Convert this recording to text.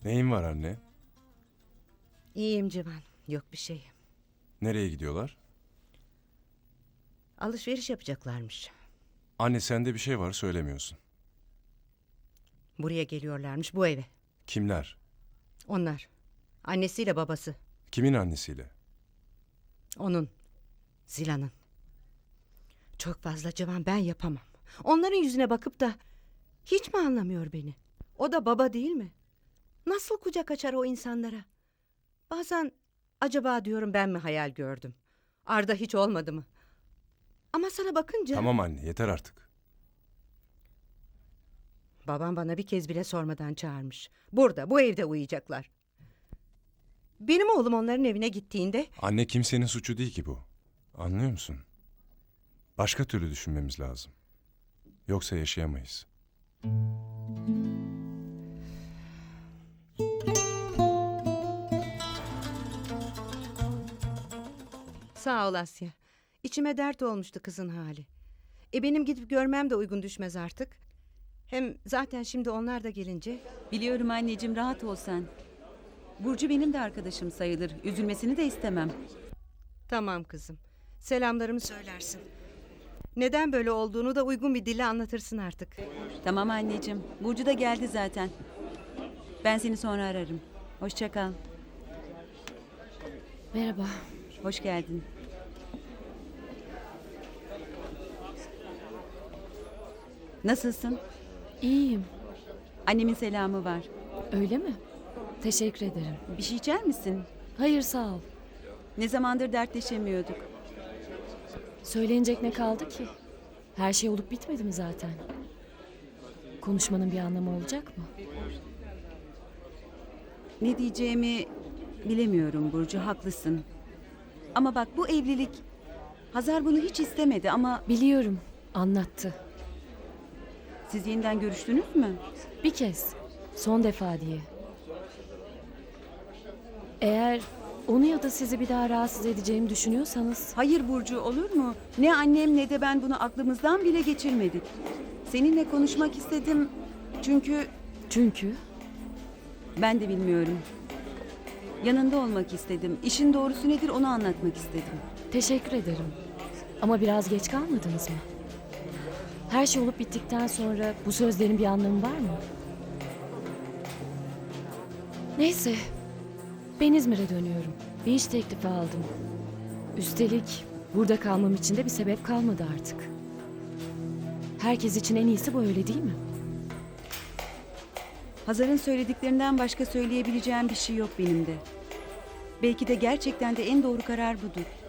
Neyin var anne? İyiyim Civan. Yok bir şey. Nereye gidiyorlar? Alışveriş yapacaklarmış. Anne sende bir şey var söylemiyorsun. Buraya geliyorlarmış, bu eve. Kimler? Onlar. Annesiyle babası. Kimin annesiyle? Onun. Zila'nın. Çok fazla Civan, ben yapamam. Onların yüzüne bakıp da hiç mi anlamıyor beni? O da baba değil mi? Nasıl kucak açar o insanlara? Bazen acaba diyorum, ben mi hayal gördüm? Arda hiç olmadı mı? Ama sana bakınca... Tamam anne yeter artık. Babam bana bir kez bile sormadan çağırmış. Burada, bu evde uyuyacaklar. Benim oğlum onların evine gittiğinde... Anne kimsenin suçu değil ki bu. Anlıyor musun? Başka türlü düşünmemiz lazım. Yoksa yaşayamayız. Sağ ol Asya. İçime dert olmuştu kızın hali. Benim gidip görmem de uygun düşmez artık. Hem zaten şimdi onlar da gelince... Biliyorum anneciğim, rahat ol sen. Burcu benim de arkadaşım sayılır. Üzülmesini de istemem. Tamam kızım. Selamlarımı söylersin. Neden böyle olduğunu da uygun bir dille anlatırsın artık. Tamam anneciğim. Burcu da geldi zaten. Ben seni sonra ararım. Hoşça kal. Merhaba. Hoş geldin. Nasılsın? İyiyim. Annemin selamı var. Öyle mi? Teşekkür ederim. Bir şey içer misin? Hayır sağ ol. Ne zamandır dertleşemiyorduk. Söylenecek ne kaldı ki? Her şey olup bitmedi mi zaten? Konuşmanın bir anlamı olacak mı? Ne diyeceğimi bilemiyorum Burcu, haklısın. Ama bak, bu evlilik... Hazar bunu hiç istemedi ama Biliyorum. Anlattı. siz yeniden görüştünüz mü? Bir kez. Son defa diye. Eğer onu ya da sizi bir daha rahatsız edeceğimi düşünüyorsanız... Hayır Burcu, olur mu? Ne annem ne de ben bunu aklımızdan bile geçirmedik. Seninle konuşmak istedim çünkü Çünkü... ben de bilmiyorum. Yanında olmak istedim. İşin doğrusu nedir onu anlatmak istedim. Teşekkür ederim. Ama biraz geç kalmadınız mı? Her şey olup bittikten sonra bu sözlerin bir anlamı var mı? Neyse. Ben İzmir'e dönüyorum. Bir iş teklifi aldım. Üstelik burada kalmam için de bir sebep kalmadı artık. Herkes için en iyisi bu, öyle değil mi? Hazar'ın söylediklerinden başka söyleyebileceğim bir şey yok benim de. Belki de gerçekten de en doğru karar budur.